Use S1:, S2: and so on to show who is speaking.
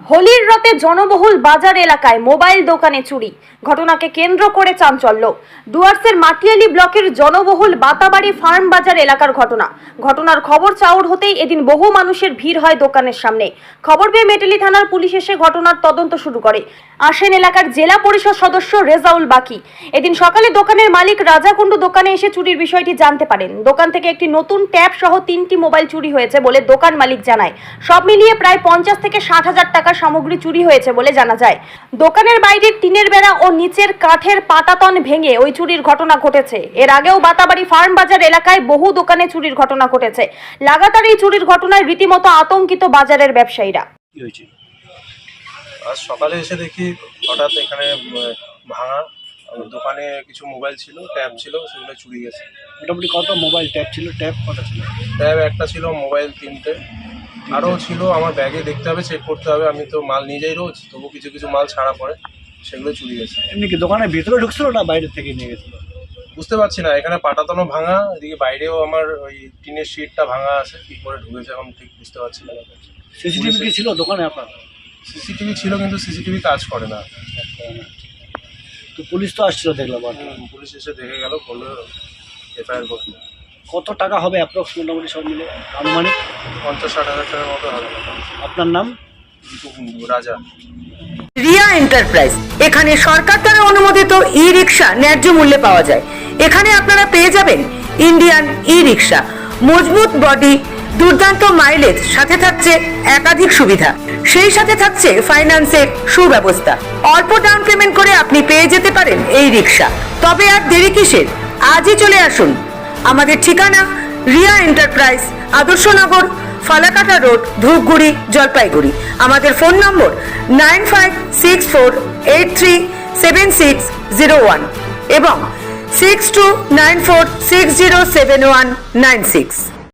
S1: হোলির রাতে জনবহুল বাজার এলাকায় মোবাইল দোকানে চুরি। ঘটনাকে কেন্দ্র করে চাঞ্চল্য। ডুয়ার্সের মাটিয়ালি ব্লকের জনবহুল বাতাবাড়ি ফার্ম বাজার এলাকার ঘটনার খবর চাউর হতেই এদিন বহু মানুষের ভিড় হয় দোকানের সামনে। খবর পেয়ে মেটেলি থানার পুলিশ এসে ঘটনার তদন্ত শুরু করে। আসেন এলাকার জেলা পরিষদ সদস্য রেজাউল বাকি। এদিন সকালে দোকানের মালিক রাজা কুন্ডু দোকানে এসে চুরির বিষয়টি জানতে পারেন। দোকান থেকে একটি নতুন ট্যাব সহ 3টি মোবাইল চুরি হয়েছে বলে দোকান মালিক জানায়। সব মিলিয়ে প্রায় 50 থেকে 60,000 টাকা সামগ্রী চুরি হয়েছে বলে জানা যায়। দোকানের বাইরের টিনের বেড়া ও নিচের কাঠের পাটাতন ভেঙে ওই চুরির ঘটনা ঘটেছে। এর আগেও বাতাবাড়ি ফার্ম বাজার এলাকায় বহু দোকানে চুরির ঘটনা ঘটেছে। লাগাতার এই চুরির ঘটনায় রীতিমতো আতঙ্কিত বাজারের ব্যবসায়ীরা।
S2: আজ সকালে এসে দেখি হঠাৎ এখানে ভাঙা। দোকানে কিছু মোবাইল ছিল, ট্যাব ছিল, সেগুলো চুরি গেছে।
S3: মোটামুটি কত মোবাইল ট্যাব ছিল? ট্যাব কত ছিল?
S2: ট্যাব একটা ছিল, মোবাইল 3টে, আরও ছিল। আমার ব্যাগে দেখতে হবে, চেক করতে হবে। আমি তো মাল নিয়ে যাই রোজ, তবু কিছু কিছু মাল ছাড়া পড়ে, সেগুলো চুরি গেছে।
S3: এমনি কি দোকানের ভিতরে ঢুকছিল না বাইরে থেকে নিয়ে গেছিল?
S2: বুঝতে পারছি না। এখানে পাটাতনও ভাঙা, এদিকে বাইরেও আমার ওই টিনের শিটটা ভাঙা আছে। কী করে ঢুকেছে এখন ঠিক বুঝতে পারছি না।
S3: সিসিটিভি কি ছিল দোকানে আপনার?
S2: সিসিটিভি ছিল, কিন্তু সিসিটিভি কাজ করে না।
S3: তো পুলিশ তো আসছিল দেখলাম।
S2: পুলিশ এসে দেখে গেল, বললো এফআইআর করতে।
S3: কত টাকা হবে অ্যাপ্রক্স মোটামুটি সব মিলে আনুমানিক?
S2: 50-60 হাজার টাকার মতো হবে।
S3: আপনার নাম?
S2: রাজা।
S4: রিয়া এন্টারপ্রাইজ, এখানে সরকার দ্বারা অনুমোদিত ই রিক্সা ন্যায্য মূল্যে পাওয়া যায়। এখানে আপনারা পেয়ে যাবেন ইন্ডিয়ান ই রিক্সা, মজবুত বডি, দুর্দান্ত মাইলেজ, সাথে থাকছে একাধিক সুবিধা। সেই সাথে থাকছে ফাইন্যান্সের সুব্যবস্থা। অল্প ডাউন পেমেন্ট করে আপনি পেয়ে যেতে পারেন এই রিক্সা। তবে আর দেরি কিসের? আজই চলে আসুন। আমাদের ঠিকানা রিয়া এন্টারপ্রাইজ, আদর্শনগর, ফালাকাটা রোড, ধূপগুড়ি, জলপাইগুড়ি। আমাদের ফোন নম্বর 9564837601 এবং 6294607196।